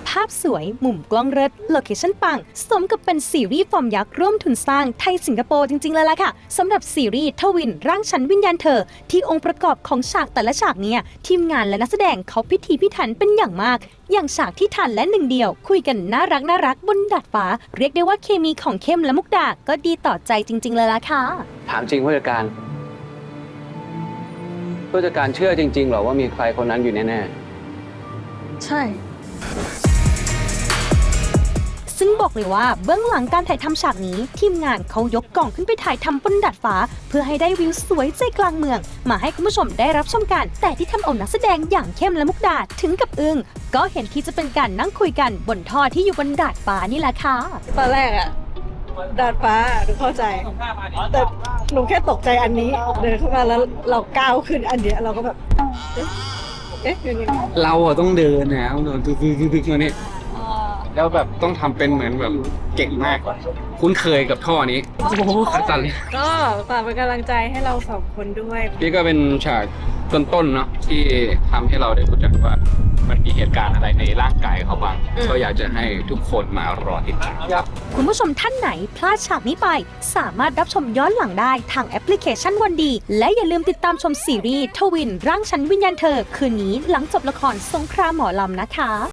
ภาพสวยมุมกล้องเลิศโลเคชั่นปังสมกับเป็นซีรีส์ฟอร์มยักษ์ร่วมทุนสร้างไทยสิงคโปร์จริงๆเลยล่ะค่ะสำหรับซีรีส์ทวินร่างฉันวิญญาณเธอที่องค์ประกอบของฉากแต่ละฉากเนี่ยทีมงานและนักแสดงเขาพิถีพิถันเป็นอย่างมากอย่างฉากที่ทันและหนึ่งเดียวคุยกันน่ารักบนดาดฟ้าเรียกได้ว่าเคมีของเข้มและมุกดาก็ดีต่อใจจริงๆเลยล่ะค่ะถามจริงผู้จัดการเชื่อจริงๆหรอว่ามีใครคนนั้นอยู่แน่ใช่ซึ่งบอกเลยว่าเบื้องหลังการถ่ายทำฉากนี้ทีมงานเขายกกล่องขึ้นไปถ่ายทำบนดาดฟ้าเพื่อให้ได้วิวสวยใจกลางเมืองมาให้คุณผู้ชมได้รับชมกันแต่ที่ทำเอานักแสดงอย่างเข้มและมุกดาถึงกับอึ้งก็เห็นที่จะเป็นการนั่งคุยกันบนท่อที่อยู่บนดาดฟ้านี่แหละค่ะตอนแรกอะดาดฟ้าหนูเข้าใจแต่หนูแค่ตกใจอันนี้เดินเข้ามาแล้วเราก้าวขึ้นอันเดียวเราก็แบบเอ๊ะยังไงเราอะต้องเดินนะต้องเดินตึกมาเนี่ยแล้วแบบต้องทำเป็นเหมือนแบบเก่งมากคุ้นเคยกับท่อนี้โอ้โหขัดสันเลยก็ฝากเป็นกำลังใจให้เราสองคนด้วยนี่ก็เป็นฉากต้นๆเนาะที่ทำให้เราได้รู้จักว่ามันมีเหตุการณ์อะไรในร่างกายเขาบ้างก็อยากจะให้ทุกคนมารอติดตามคุณผู้ชมท่านไหนพลาดฉากนี้ไปสามารถรับชมย้อนหลังได้ทางแอปพลิเคชันวันดีและอย่าลืมติดตามชมซีรีส์ทวินร่างฉันวิญญาณเธอคืนนี้หลังจบละครสงครามหมอลำนะคะ